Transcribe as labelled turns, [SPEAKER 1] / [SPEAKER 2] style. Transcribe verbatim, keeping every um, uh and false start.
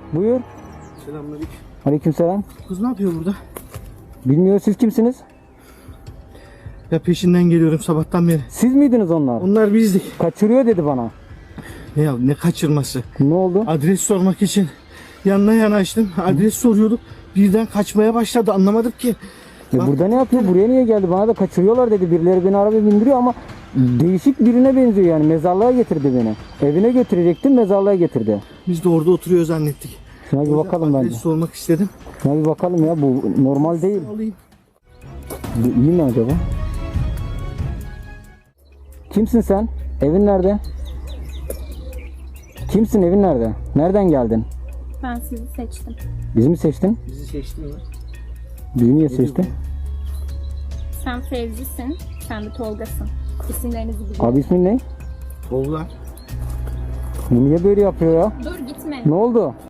[SPEAKER 1] Buyur.
[SPEAKER 2] Selamünaleyküm.
[SPEAKER 1] Aleykümselam.
[SPEAKER 2] Kız ne yapıyor burada?
[SPEAKER 1] Bilmiyor, siz kimsiniz?
[SPEAKER 2] Ya peşinden geliyorum sabahtan beri.
[SPEAKER 1] Siz miydiniz onlar?
[SPEAKER 2] Onlar bizdik.
[SPEAKER 1] Kaçırıyor dedi bana.
[SPEAKER 2] Ne ya ne kaçırması?
[SPEAKER 1] Ne oldu?
[SPEAKER 2] Adres sormak için yanına yanaştım. Adres soruyorduk. Birden kaçmaya başladı. Anlamadım ki.
[SPEAKER 1] E
[SPEAKER 2] Bak-
[SPEAKER 1] burada ne yapıyor? Buraya niye geldi? Bana da kaçırıyorlar dedi. Birileri beni arabaya bindiriyor ama değişik birine benziyor yani. Mezarlığa getirdi beni. Evine götürecektim, mezarlığa getirdi.
[SPEAKER 2] Biz de orada oturuyor zannettik.
[SPEAKER 1] Şuna bir
[SPEAKER 2] O yüzden
[SPEAKER 1] bakalım
[SPEAKER 2] adres
[SPEAKER 1] bence.
[SPEAKER 2] sormak istedim.
[SPEAKER 1] Şuna bir bakalım ya. Bu normal değil.
[SPEAKER 2] Alayım.
[SPEAKER 1] Bu iyi mi acaba? Kimsin sen? Evin nerede? Kimsin? Evin nerede? Nereden geldin?
[SPEAKER 3] Ben sizi seçtim.
[SPEAKER 1] Bizi mi seçtin?
[SPEAKER 2] Bizi seçtin mi?
[SPEAKER 1] Bizi niye seçtin?
[SPEAKER 3] Sen Fevzi'sin, sen de Tolga'sın. İsimlerinizi biliyorum.
[SPEAKER 1] Abi ismin ne?
[SPEAKER 2] Tolga.
[SPEAKER 1] Bu niye böyle yapıyor ya?
[SPEAKER 3] Dur gitme.
[SPEAKER 1] Ne oldu?